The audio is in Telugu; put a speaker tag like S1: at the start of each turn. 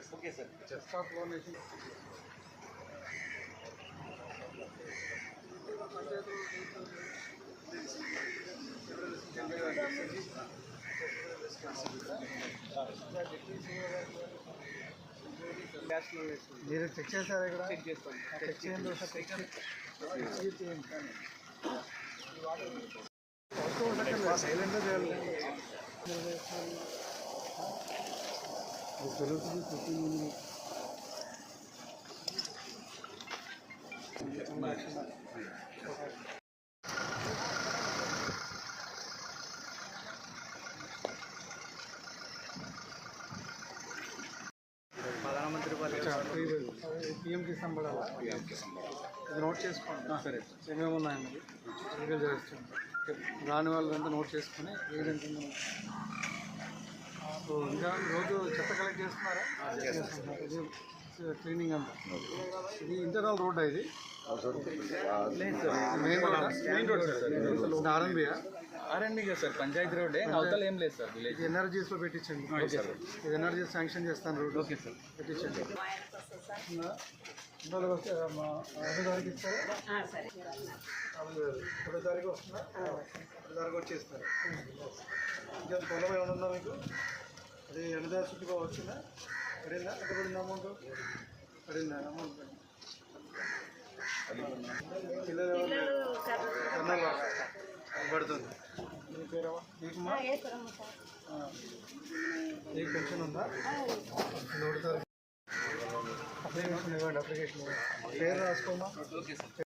S1: Okay sir.
S2: Chest of donation మీరు చెక్ చేశారా ఇక్కడ?
S1: చెక్ చేస్తాను.
S2: చెక్ చేయండి సైలెంట్గా చేయాలి. తెలుగుతుంది
S1: ప్రధానమంత్రి
S2: పిఎం కిసాన్ పడాలా? ఇది నోట్ చేసుకోండి.
S1: సరే.
S2: ఏమేమి ఉన్నాయండి ఎన్నికలు చేస్తుంది రాని వాళ్ళంతా నోట్ చేసుకొని ఏదంటే సో ఇంకా రోజు చెత్త కలెక్ట్ చేస్తున్నారా? ఇది క్లీనింగ్ అంతా. ఇది ఇంటర్నల్ రోడ్ ఇది మెయిన్ రోడ్ సార్.
S1: ఆర్ఎండ్బి కదా సార్, పంచాయతీ రోడ్ అవతల ఏం లేదు సార్. విలేజ్
S2: ఎన్ఆర్జీస్లో పెట్టించండి. ఇది ఎన్ఆర్జీ శాంక్షన్ చేస్తాను రోడ్.
S1: ఓకే సార్,
S2: పెట్టించండి. వస్తే 5 తారీఖు ఇస్తారా? 10 తారీఖు వస్తుందా? 10 తారీఖు వచ్చేస్తారు. ఇంకా పొలం ఏమైనా ఉందా మీకు? అది ఎండదారి చుట్టుకో వచ్చిందా? పడిందా? ఎంత పడింది అమౌంట్? పడిందా అమౌంట్? పిల్లలు పడుతుంది. మీ పేరు మీకుమా? మీకు పెన్షన్ ఉందా? అప్లికేషన్ ఇవ్వండి. అప్లికేషన్ పేరు రాసుకోమా.
S1: Okay sir.